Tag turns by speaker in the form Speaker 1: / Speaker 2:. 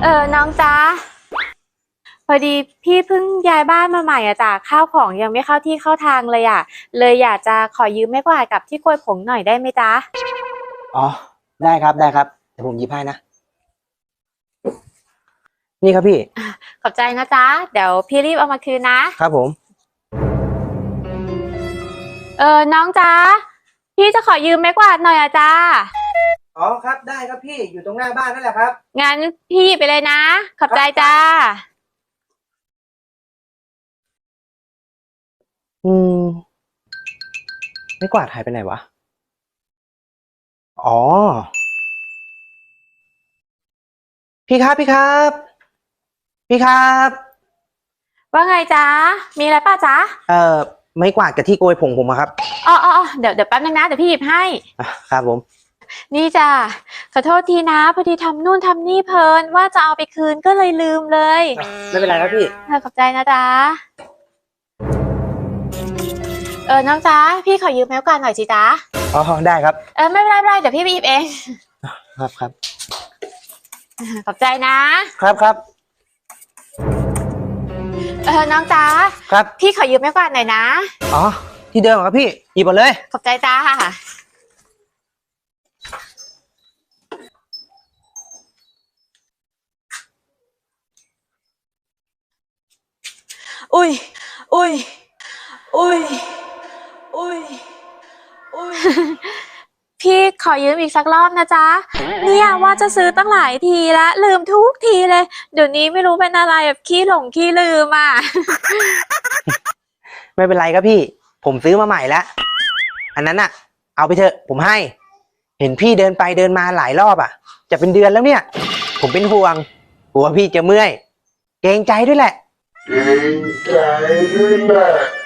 Speaker 1: น้องจ๊ะพอดีพี่เพิ่งย้ายบ้านมาใหม่อะจ้ะข้าวของยังไม่เข้าที่เข้าทางเลยอะเลยอยากจะขอยืมไม้กวาดกับที่โกยผงหน่อยได้ไหมจ๊ะ
Speaker 2: อ๋อได้ครับได้ครับเดี๋ยวผมหยิบให้นะนี่ครับพี่
Speaker 1: ขอบใจนะจ๊ะเดี๋ยวพี่รีบเอามาคืนนะครับ
Speaker 2: ผม
Speaker 1: น้องจ๊ะพี่จะขอยืมไม้กวาดหน่อยอะจ้า
Speaker 2: อ๋อครับได้ครับพี่อยู่ตรงหน้าบ้านนั่นแหละครับ
Speaker 1: งั้นพี่หยิบไปเลยนะขอบใจจ้า
Speaker 2: อืมไม่กวาดหายไปไหนวะอ๋อพี่ครับพี่ครับพี่ครับ
Speaker 1: ว่าไงจ๊ะมีอะไรป่ะจ๊ะ
Speaker 2: ไม่กวาดกับที่โกยผงผมอะครับ
Speaker 1: อ๋อเดี๋ยวแป๊บนึงนะเดี๋ยวพี่หยิบให้
Speaker 2: ครับผม
Speaker 1: นี่จ้ะขอโทษทีนะพอดีทำนู่นทำนี่เพลินว่าจะเอาไปคืนก็เลยลืมเลย
Speaker 2: ไม่เป็นไรครับพี่
Speaker 1: ขอบใจนะจ๊ะน้องจ๊ะพี่ขอยืมไม้กวาดหน่อยสิจ๊ะ
Speaker 2: อ๋อได้ครับ
Speaker 1: ไม่เป็นไรเดี๋ยวพี่ไปหยิบเอง
Speaker 2: ครับ
Speaker 1: ขอบใจ
Speaker 2: นะครับ
Speaker 1: น้องจ๊ะ
Speaker 2: ครับ
Speaker 1: พี่ขอยืมไม้กวาดหน่อยนะ
Speaker 2: อ๋อที่เดิมครับพี่หยิบมาเลย
Speaker 1: ขอบใจจ้าอุ้ยพี่ขอยืมอีกสักรอบนะจ๊ะเนี่ยว่าจะซื้อตั้งหลายทีแล้วลืมทุกทีเลยเดี๋ยวนี้ไม่รู้เป็นอะไรแบบขี้หลงขี้ลืมอ่ะ
Speaker 2: ไม่เป็นไรครับพี่ผมซื้อมาใหม่แล้วอันนั้นอ่ะเอาไปเถอะผมให้เห็นพี่เดินไปเดินมาหลายรอบอ่ะจะเป็นเดือนแล้วเนี่ยผมเป็นห่วงกลัวพี่จะเมื่อยเกรงใจด้วยแหละ